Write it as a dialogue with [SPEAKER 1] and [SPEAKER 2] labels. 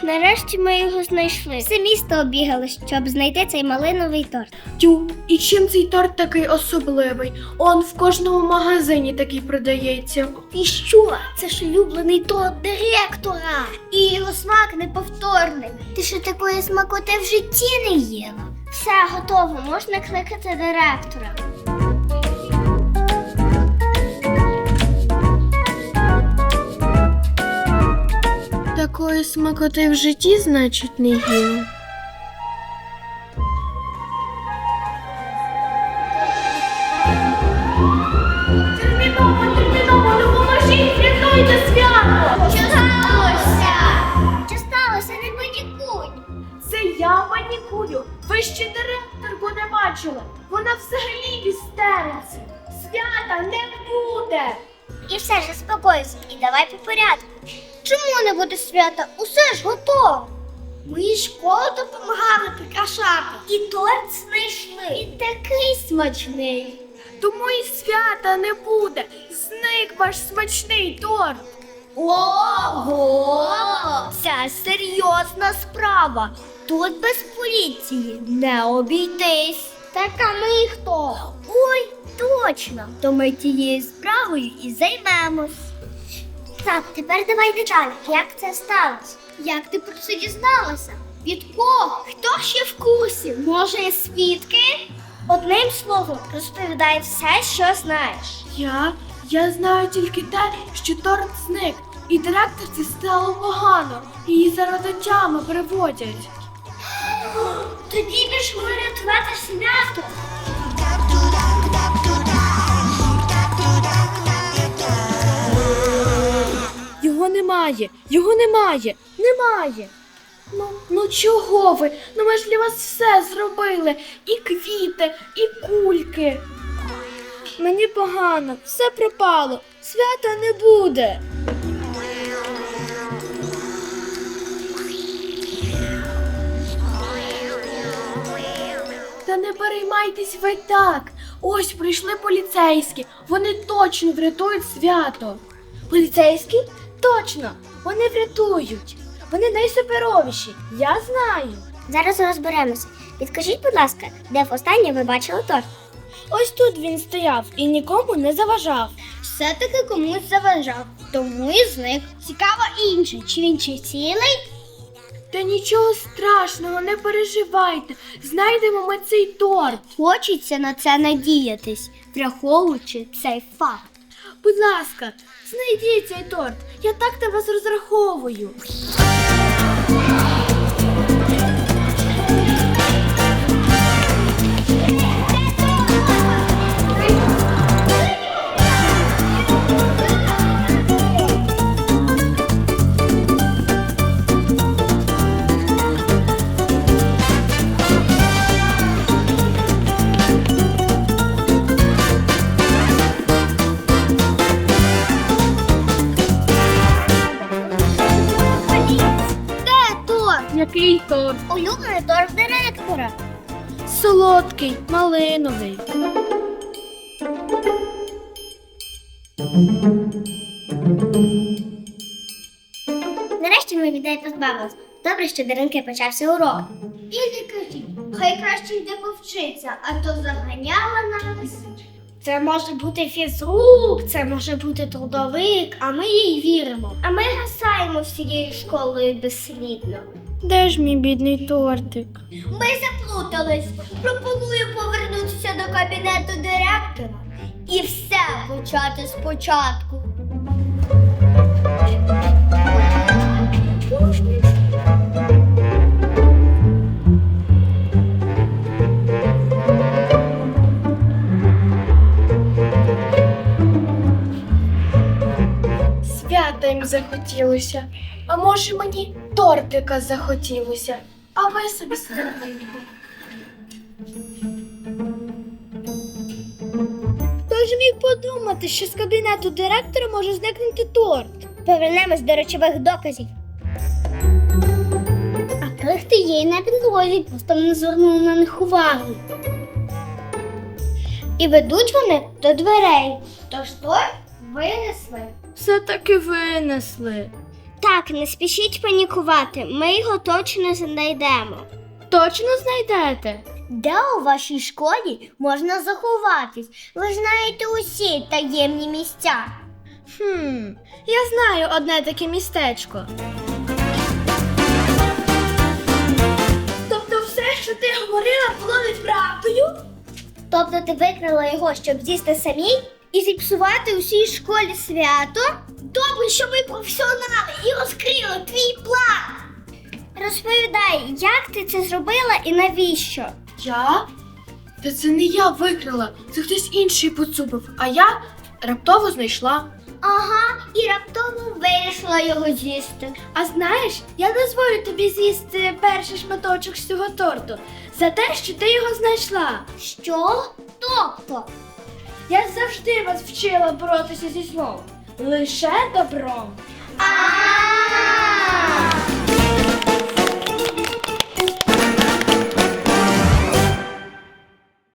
[SPEAKER 1] Нарешті ми його знайшли. Все місто обігали, щоб знайти цей малиновий торт.
[SPEAKER 2] Тю, і чим цей торт такий особливий? Он в кожному магазині такий продається.
[SPEAKER 1] І що? Це ж улюблений торт директора. І його смак неповторний. Ти що такої смакоти в житті не їла? Все, готово, можна кликати директора.
[SPEAKER 2] Такої смакоти в житті, значить, не їла. Терміново, допоможіть, рятуйте свято!
[SPEAKER 1] Що сталося? Що сталося? Не панікуй.
[SPEAKER 2] Це я панікую. Ви ще директорку не бачили. Вона взагалі в істериці. Свята не буде.
[SPEAKER 1] І все ж заспокойся, і давай по порядку. Чому не буде свята? Усе ж готово. Ми і школу допомагали прикрашати. І торт знайшли. І такий смачний.
[SPEAKER 2] Тому і свята не буде. Зник ваш смачний торт.
[SPEAKER 1] Ого! Це серйозна справа. Тут без поліції не обійтись. Так а ми хто? Ой, точно. То ми тією справою і займемось. Так, тепер давай деталі. Як це сталося? Як ти про це дізналася? Від кого? Хто ще в курсі? Може, свідки? Одним словом, розповідай все, що знаєш.
[SPEAKER 2] Я знаю тільки те, що торт зник. І директорці стало погано. Її за родичами приводять.
[SPEAKER 1] Тоді пішли рятувати свято.
[SPEAKER 2] Його немає. Ну чого ви? Ну ми ж для вас все зробили. І квіти, і кульки. Мені погано, все пропало. Свята не буде. Та не переймайтесь ви так. Ось прийшли поліцейські. Вони точно врятують свято. Поліцейські? Точно. Вони врятують. Вони найсуперовіші. Я знаю.
[SPEAKER 1] Зараз розберемося. Підкажіть, будь ласка, де востаннє ви бачили торт?
[SPEAKER 2] Ось тут він стояв і нікому не заважав.
[SPEAKER 1] Все-таки комусь заважав, тому і зник. Цікаво інше, чи він чи цілий?
[SPEAKER 2] Та нічого страшного, не переживайте. Знайдемо ми цей торт.
[SPEAKER 1] Хочеться на це надіятись, враховуючи цей факт.
[SPEAKER 2] Будь ласка, знайдіть цей торт. Я так на вас розраховую. Який торт?
[SPEAKER 1] Улюблений торт директора.
[SPEAKER 2] Солодкий, малиновий.
[SPEAKER 1] Нарешті ми від неї позбавились. Добре, що Даринки почався урок. І не кажіть, хай краще йде повчиться, а то заганяла нас. Це може бути фізрук, це може бути трудовик, а ми їй віримо. А ми гасаємо всією школою безслідно.
[SPEAKER 2] Де ж мій бідний тортик?
[SPEAKER 1] Ми заплутались. Пропоную повернутися до кабінету директора і все почати спочатку.
[SPEAKER 2] Свята їм захотілося. А може мені тортика захотілося. А ви собі серденько.
[SPEAKER 1] Хто ж міг подумати, що з кабінету директора може зникнути торт? Повернемось до речових доказів. А крихти є й на підлозі, просто не звернули на них увагу. І ведуть вони до дверей. Тож торт винесли.
[SPEAKER 2] Все-таки винесли.
[SPEAKER 1] Так, не спішіть панікувати, ми його точно знайдемо.
[SPEAKER 2] Точно знайдете?
[SPEAKER 1] Де у вашій школі можна заховатись? Ви знаєте усі таємні місця.
[SPEAKER 2] Я знаю одне таке містечко. Тобто все, що ти говорила, було неправдою?
[SPEAKER 1] Тобто ти викрила його, щоб з'їсти самій і зіпсувати усій школі свято? Добре, що ми професіонали і розкрили твій план. Розповідай, як ти це зробила і навіщо?
[SPEAKER 2] Я? Та це не я викрила, це хтось інший поцупив, а я раптово знайшла.
[SPEAKER 1] Ага, і раптово вирішила його з'їсти.
[SPEAKER 2] А знаєш, я дозволю тобі з'їсти перший шматочок з цього торту за те, що ти його знайшла.
[SPEAKER 1] Що? Тобто?
[SPEAKER 2] Я завжди вас вчила боротися зі злом. Лише добром.
[SPEAKER 1] А